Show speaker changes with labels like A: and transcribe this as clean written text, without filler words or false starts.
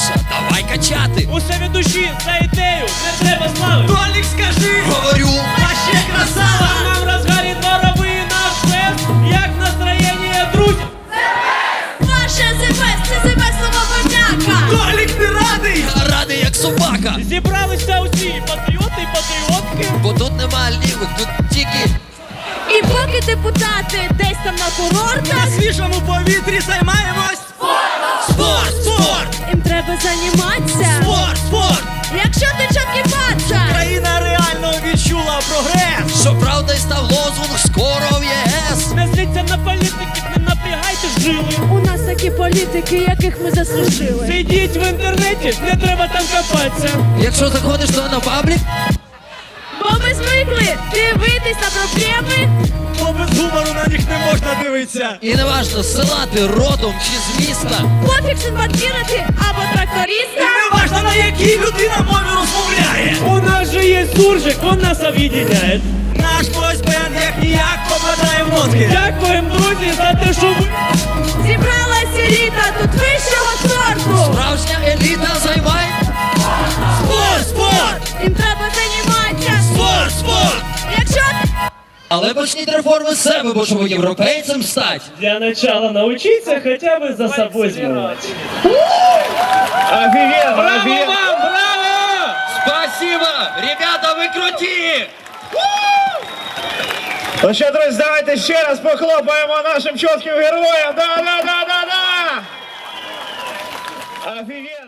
A: Саша, давай качати.
B: Усе від душі, за ідею, не треба слави.
C: Толік, скажи,
A: Говорю,
C: а ще красава.
B: Нам розгарі дворовий наш фест. Як настроєння, друзі?
D: Ваше ЗПС, це ЗПС слова подяка.
C: Толік, ти радий?
A: я радий як собака.
B: Зібралися усі патріоти і патріотки.
A: Бо тут нема лівих, тут тільки.
D: І поки депутати десь там на курортах,
C: На свіжому повітрі займаємось.
A: Спорт, спорт,
D: їм треба займатися.
A: спорт, спорт.
D: Якщо ти чоткий паца,
C: Країна реально відчула прогрес.
A: Щоправда, й став лозунг скоро в ЄС.
B: Не зліться на політиків, не напрягайте жили.
D: у нас такі політики, яких ми заслужили.
B: Сидіть в інтернеті, не треба там копатися.
A: Якщо заходиш то на паблік,
D: Бо ми звикли дивитись на проблеми.
C: Бо без гумору на них не можна дивитися.
A: і не важно, з села ти родом чи з міста.
D: Пофіг симпатіра ти або
C: І
D: тракториста.
C: не важно, на якій людина мові розмовляє.
B: У нас же є суржик, он нас об'єднає.
C: Наш бойсбенд як ніяк попадає в нотки.
B: Дякуємо, друзі, за те, що ви...
D: Зібралась еліта тут вищого сорту.
A: Справжня еліта займає.
C: Спорт, спорт,
D: Їм треба займатися.
C: спорт, спорт.
D: Якщо
A: Але почніть реформи з себе, бо щоб європейцем стать.
B: Для начала научиться хотя бы за собой сделать.
E: Офигенно,
B: Браво
E: офигенно.
B: вам, браво!
A: Спасибо! Ребята, ви круті!
E: Ну що, друзі, давайте ще раз похлопаємо нашим чітким героям. Да. Офигенно.